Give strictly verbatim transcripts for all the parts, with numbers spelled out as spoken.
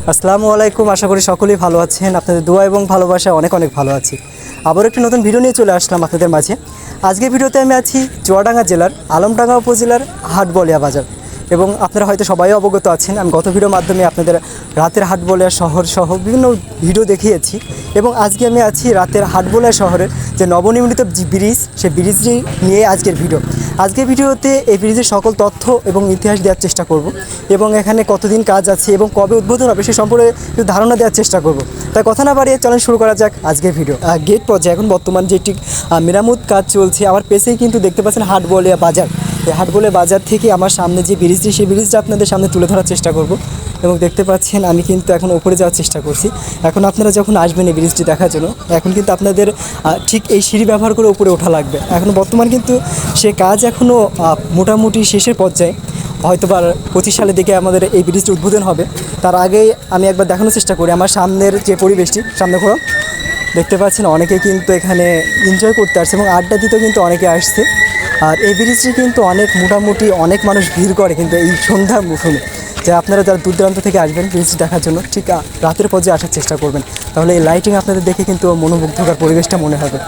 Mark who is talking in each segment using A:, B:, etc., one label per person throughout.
A: আসসালামু আলাইকুম, আশা করি সকলেই ভালো আছেন। আপনাদের দোয়া এবং ভালোবাসা অনেক অনেক ভালো আছি। আবার একটি নতুন ভিডিও নিয়ে চলে আসলাম আপনাদের মাঝে। আজকের ভিডিওতে আমি আছি চুয়াডাঙ্গা জেলার আলমডাঙ্গা উপজেলার হাটবলিয়া বাজার। এবং আপনারা হয়তো সবাই অবগত আছেন, আমি গত ভিডিওর মাধ্যমে আপনাদের রাতের হাটবলিয়া শহর সহ বিভিন্ন ভিডিও দেখিয়েছি। এবং আজকে আমি আছি রাতের হাটবলিয়া শহরের যে নবনির্মিত যে ব্রিজ, সেই ব্রিজটি নিয়ে আজকের ভিডিও। আজকের ভিডিওতে এই ব্রিজের সকল তথ্য এবং ইতিহাস দেওয়ার চেষ্টা করব, এবং এখানে কতদিন কাজ আছে এবং কবে উদ্বোধন হবে সে সম্পর্কে একটু ধারণা দেওয়ার চেষ্টা করব। তাই কথা না বাড়িয়ে চলেন শুরু করা যাক আজকের ভিডিও। গেট পর্যায়ে এখন বর্তমান যেটি মেরামত কাজ চলছে, আমার পেছেই কিন্তু দেখতে পাচ্ছেন হাটবলিয়া বাজার। এই হাটবলিয়া বাজার থেকে আমার সামনে যে ব্রিজটি, সেই ব্রিজটা আপনাদের সামনে তুলে ধরার চেষ্টা করব। এবং দেখতে পাচ্ছেন আমি কিন্তু এখন উপরে যাওয়ার চেষ্টা করছি। এখন আপনারা যখন আসবেন এই ব্রিজটি দেখার জন্য, এখন কিন্তু আপনাদের ঠিক এই সিঁড়ি ব্যবহার করে উপরে ওঠা লাগবে। এখন বর্তমান কিন্তু সে কাজ এখনও মোটামুটি শেষের পর্যায়ে, হয়তো বা পঁচিশ সালের দিকে আমাদের এই ব্রিজটি উদ্বোধন হবে। তার আগেই আমি একবার দেখানোর চেষ্টা করি আমার সামনের যে পরিবেশটি। সামনে ঘোরো, দেখতে পাচ্ছেন অনেকে কিন্তু এখানে এনজয় করতে আসছে এবং আড্ডা দিতেও কিন্তু অনেকে আসছে। আর এই ব্রিজটি কিন্তু অনেক মোটামুটি অনেক মানুষ ভিড় করে কিন্তু এই সন্ধ্যার মৌসুমে। যে আপনারা যারা দূর দূরান্ত থেকে আসবেন ব্রিজটি দেখার জন্য, ঠিক রাতের পর্যায়ে আসার চেষ্টা করবেন, তাহলে এই লাইটিং আপনাদের দেখে কিন্তু মনোমুগ্ধকর পরিবেশটা মনে হবে।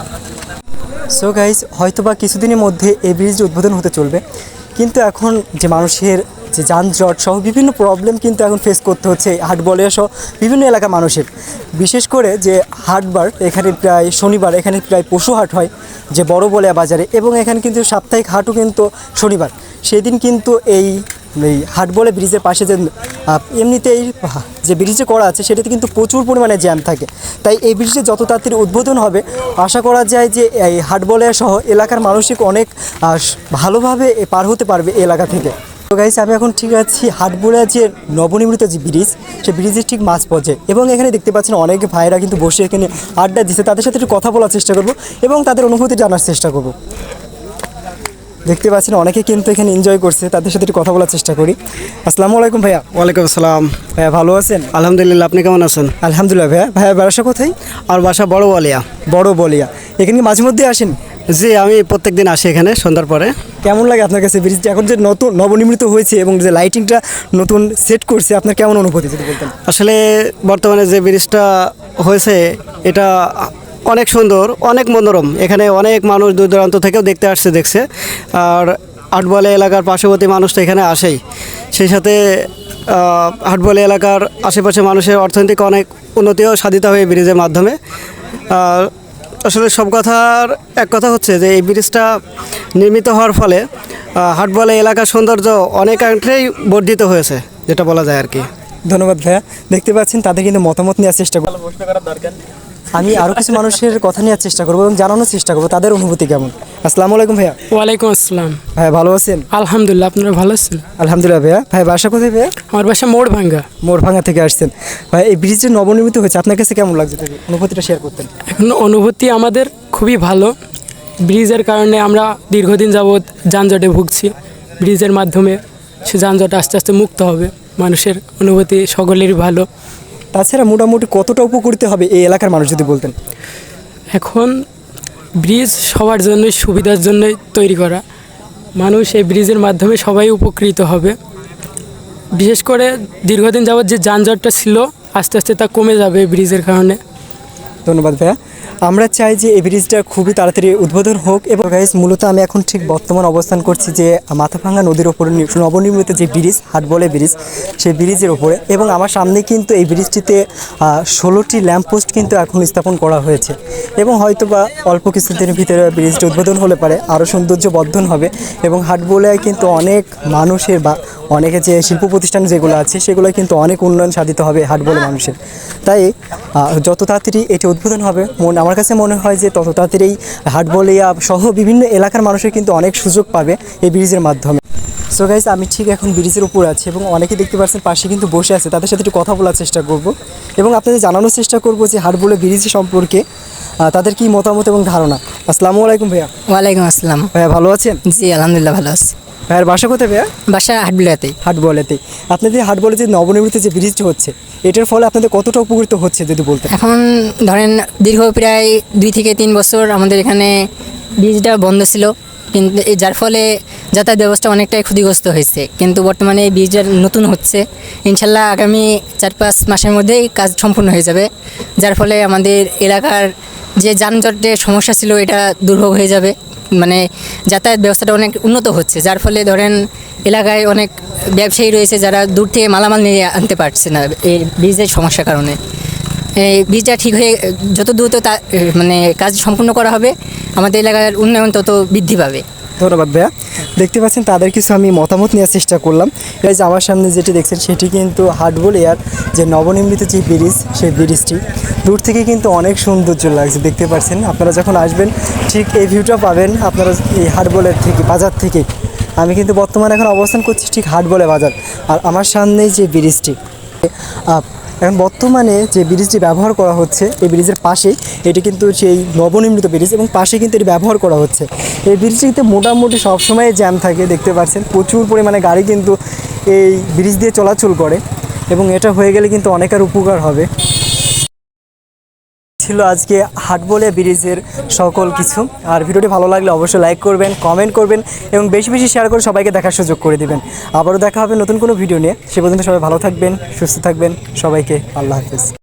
A: সো গাইজ, হয়তোবা কিছুদিনের মধ্যে এই ব্রিজটি উদ্বোধন হতে চলবে, কিন্তু এখন যে মানুষের যে যানজট সহ বিভিন্ন প্রবলেম কিন্তু এখন ফেস করতে হচ্ছে হাটবলিয়া সহ বিভিন্ন এলাকার মানুষের। বিশেষ করে যে হাটবার, এখানে প্রায় শনিবার এখানে প্রায় পশু হাট হয় যে বড়বলিয়া বাজারে, এবং এখানে কিন্তু সাপ্তাহিক হাটও কিন্তু শনিবার। সেদিন কিন্তু এই এই হাটবলিয়া ব্রিজের পাশে যে এমনিতেই যে ব্রিজে করা আছে সেটাতে কিন্তু প্রচুর পরিমাণে জ্যাম থাকে। তাই এই ব্রিজে যত তাড়াতাড়ি উদ্বোধন হবে আশা করা যায় যে এই হাটবলিয়া সহ এলাকার মানুষই অনেক ভালোভাবে পার হতে পারবে এই এলাকা থেকে। তো গাইস, আমি এখন ঠিক আছি হাটবলিয়া যে নবনির্মিত যে ব্রিজ, সেই ব্রিজের ঠিক মাঝ পর্যায়ে, এবং এখানে দেখতে পাচ্ছেন অনেক ভাইরা কিন্তু বসে এখানে আড্ডা দিচ্ছে। তাদের সাথে একটু কথা বলার চেষ্টা করব এবং তাদের অনুভূতি জানার চেষ্টা করব। দেখতে পাচ্ছেন অনেকে কিন্তু এখানে এনজয় করছে, তাদের সাথে একটু কথা বলার চেষ্টা করি। আসসালামু আলাইকুম ভাইয়া।
B: ওয়ালাইকুম আসসালাম।
A: ভাইয়া ভালো আছেন?
B: আলহামদুলিল্লাহ, আপনি কেমন আছেন?
A: আলহামদুলিল্লাহ। ভাইয়া ভাইয়া বাসা কোথায়?
B: আর বাসা বড়বলিয়া।
A: বড়বলিয়া। এখানে কি মাঝে মধ্যে আসেন?
B: জি, আমি প্রত্যেক দিন আসি এখানে সন্ধ্যার পরে।
A: কেমন লাগে আপনার কাছে ব্রিজটা এখন যে নতুন নবনির্মিত হয়েছে এবং যে লাইটিংটা নতুন সেট করছে, আপনার কেমন অনুভূতি যদি বলতেন?
B: আসলে বর্তমানে যে ব্রিজটা হয়েছে এটা অনেক সুন্দর, অনেক মনোরম। এখানে অনেক মানুষ দূর দূরান্ত থেকেও দেখতে আসছে, দেখছে। আর হাটবলিয়া এলাকার পার্শ্ববর্তী মানুষ তো এখানে আসেই। সেই সাথে হাটবলিয়া এলাকার আশেপাশে মানুষের অর্থনৈতিক অনেক উন্নতিও সাধিত হয় এই ব্রিজের মাধ্যমে। আসলে সব কথার এক কথা হচ্ছে যে এই ব্রিজটা নির্মিত হওয়ার ফলে হাটবলিয়া এলাকার সৌন্দর্য অনেকাংশেই বর্ধিত হয়েছে, যেটা বলা যায় আর কি।
A: ধন্যবাদ ভাইয়া। দেখতে পাচ্ছেন তাদের কিন্তু মতামত নেওয়ার চেষ্টা করবো। আমি আরও কিছু মানুষের কথা নেওয়ার চেষ্টা করবো এবং জানানোর চেষ্টা করবো তাদের অনুভূতি কেমন। আসসালামু আলাইকুম ভাইয়া।
C: ওয়ালাইকুম আসসালাম।
A: ভাইয়া ভালো আছেন?
C: আলহামদুলিল্লাহ, আপনারা ভালো আছেন?
A: আলহামদুলিল্লাহ ভাইয়া। ভাই বাসা কোথায় ভাইয়া?
C: আমার বাসা মোড়ভাঙ্গা।
A: মোড়ভাঙ্গা থেকে আসছেন। ভাই এই ব্রিজ যে নবনির্মিত হয়েছে আপনার কাছে কেমন লাগছে, অনুভূতিটা শেয়ার করতেন?
C: এখন অনুভূতি আমাদের খুবই ভালো। ব্রিজের কারণে আমরা দীর্ঘদিন যাবৎ যানজটে ভুগছি। ব্রিজের মাধ্যমে সে যানজট আস্তে আস্তে মুক্ত হবে। মানুষের অনুভূতি সকলেরই ভালো।
A: তাছাড়া মোটামুটি কতটা উপকৃত হবে এই এলাকার মানুষ যদি বলতেন?
C: এখন ব্রিজ সবার জন্যই, সুবিধার জন্যই তৈরি করা। মানুষ এই ব্রিজের মাধ্যমে সবাই উপকৃত হবে। বিশেষ করে দীর্ঘদিন যাবৎ যে যানজটটা ছিল আস্তে আস্তে তা কমে যাবে ব্রিজের কারণে।
A: ধন্যবাদ ভাইয়া। আমরা চাই যে এই ব্রিজটা খুবই তাড়াতাড়ি উদ্বোধন হোক। এবং গাইস, মূলত আমি এখন ঠিক বর্তমান অবস্থান করছি যে মাথাভাঙ্গা নদীর ওপরে নবনির্মিত যে ব্রিজ, হাটবলিয়া ব্রিজ, সেই ব্রিজের ওপরে। এবং আমার সামনে কিন্তু এই ব্রিজটিতে ষোলোটি ল্যাম্পপোস্ট কিন্তু এখন স্থাপন করা হয়েছে, এবং হয়তো বা অল্প কিছুদিনের ভিতরে ব্রিজটি উদ্বোধন হলে পারে আরও সৌন্দর্য বর্ধন হবে। এবং হাটবলিয়ায় কিন্তু অনেক মানুষের বা অনেকে যে শিল্প প্রতিষ্ঠান যেগুলো আছে সেগুলো কিন্তু অনেক উন্নয়ন সাধিত হবে হাটবলিয়া মানুষের। তাই যত তাড়াতাড়ি এটি উদ্বোধন হবে, মন আমার কাছে মনে হয় যে তত তাড়াতাড়ি হাটবলিয়া সহ বিভিন্ন এলাকার মানুষের কিন্তু অনেক সুযোগ পাবে এই ব্রিজের মাধ্যমে। সো গাইস, আমি ঠিক এখন ব্রিজের উপর আছি এবং অনেকে দেখতে পাচ্ছেন পাশে কিন্তু বসে আছে, তাদের সাথে একটু কথা বলার চেষ্টা করব এবং আপনাদের জানানোর চেষ্টা করব যে হাটবলিয়া ব্রিজ সম্পর্কে তাদের কি মতামত এবং ধারণা। আসসালামু আলাইকুম ভাইয়া।
D: ওয়ালাইকুম আসসালাম।
A: ভাইয়া ভালো আছেন?
D: জি আলহামদুলিল্লাহ ভালো আছি।
A: ভাইয়ার বাসা কোথায় ভাইয়া?
D: বাসা হাটবলিয়াতেই।
A: হাটবলিয়াতেই। আপনাদের হাটবলিয়া যে নবনির্মিত যে ব্রিজটি হচ্ছে, এটার ফলে আপনাদের কতটা উপকৃত হচ্ছে যদি বলতেন?
D: এখন ধরেন দীর্ঘ প্রায় দুই থেকে তিন বছর আমাদের এখানে ব্রিজটা বন্ধ ছিল, কিন্তু এই যার ফলে যাতায়াত ব্যবস্থা অনেকটাই ক্ষতিগ্রস্ত হয়েছে, কিন্তু বর্তমানে এই ব্রিজের নতুন হচ্ছে, ইনশাল্লাহ আগামী চার পাঁচ মাসের মধ্যেই কাজ সম্পূর্ণ হয়ে যাবে, যার ফলে আমাদের এলাকার যে যানজটের সমস্যা ছিল এটা দুর্ভোগ হয়ে যাবে। মানে যাতায়াত ব্যবস্থাটা অনেক উন্নত হচ্ছে, যার ফলে ধরেন এলাকায় অনেক ব্যবসায়ী রয়েছে যারা দূর থেকে মালামাল নিয়ে আনতে পারছে না এই ব্রিজের সমস্যার কারণে। এই ব্রিজটা ঠিক হয়ে যত দ্রুত তা মানে কাজ সম্পূর্ণ করা হবে, আমাদের এলাকার উন্নয়ন তত বৃদ্ধি পাবে।
A: ধন্যবাদ ভাইয়া। দেখতে পাচ্ছেন তাদের কিছু আমি মতামত নেওয়ার চেষ্টা করলাম। এই যে আমার সামনে যেটি দেখছেন সেটি কিন্তু হাটবলিয়ার যে নবনির্মিত যে ব্রিজ, সেই ব্রিজটি দূর থেকে কিন্তু অনেক সৌন্দর্য লাগছে। দেখতে পাচ্ছেন আপনারা যখন আসবেন ঠিক এই ভিউটা পাবেন আপনারা এই হাটবলের থেকে, বাজার থেকে। আমি কিন্তু বর্তমানে এখন অবস্থান করছি ঠিক হাটবলে বাজার, আর আমার সামনেই যে ব্রিজটি আপ এখন বর্তমানে যে ব্রিজটি ব্যবহার করা হচ্ছে এই ব্রিজের পাশেই এটি কিন্তু সেই নবনির্মিত ব্রিজ, এবং পাশে কিন্তু এটি ব্যবহার করা হচ্ছে। এই ব্রিজটিতে মোটামুটি সবসময় জ্যাম থাকে, দেখতে পাচ্ছেন প্রচুর পরিমাণে গাড়ি কিন্তু এই ব্রিজ দিয়ে চলাচল করে, এবং এটা হয়ে গেলে কিন্তু অনেকের উপকার হবে। ছিল আজকে হাটবলিয়া ব্রিজের সকল কিছু। আর ভিডিওটি ভালো লাগলে অবশ্যই লাইক করবেন, কমেন্ট করবেন এবং বেশি বেশি শেয়ার করে সবাইকে দেখার সুযোগ করে দিবেন। আবারও দেখা হবে নতুন কোনো ভিডিও নিয়ে। সে পর্যন্ত সবাই ভালো থাকবেন, সুস্থ থাকবেন। সবাইকে আল্লাহ হাফেজ।